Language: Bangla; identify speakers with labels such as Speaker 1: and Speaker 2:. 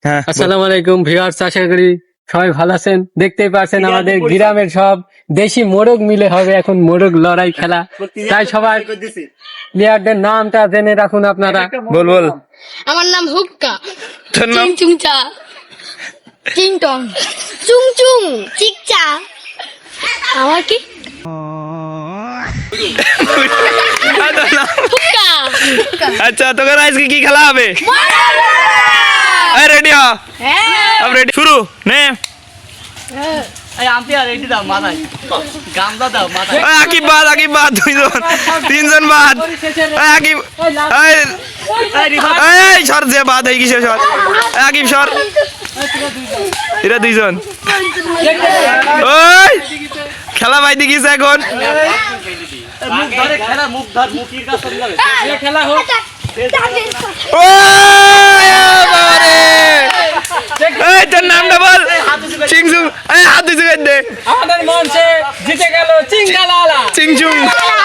Speaker 1: হ্যাঁ
Speaker 2: আসসালামু আলাইকুম ভিউয়ার্স, আশা করি সবাই ভালো আছেন। দেখতেই পাচ্ছেন আমাদের গ্রামের সব দেশি মোরগ মিলে হবে এখন মোরগ লড়াই খেলা। তাই সবাই প্লেয়ারদের নামটা জেনে রাখুন আপনারা।
Speaker 1: বল বল
Speaker 3: আমার নাম হুক্কা।
Speaker 1: তোর নাম
Speaker 3: চিং চুংচা, চিং টং, চুং চুং, চিকচা। আমার কি
Speaker 1: তোর নাম?
Speaker 3: হুক্কা।
Speaker 1: আচ্ছা তোকে আজকে কি খেলা হবে? রেডি হ
Speaker 3: হ্যাঁ।
Speaker 1: अब रेडी शुरू নে আকিব বাদ তিনজন বাদ আকিব এই সর যে বাদ হয়ে গেছে সর আকিব সর এরা দুইজন ওই খেলা পাই দেখিস এখন এই তোর নামটা বল চিংচুং এই হাত দিছে দে
Speaker 2: আমাদের মঞ্চে জিতে গেল চিঙ্গালালা
Speaker 1: চিংচুং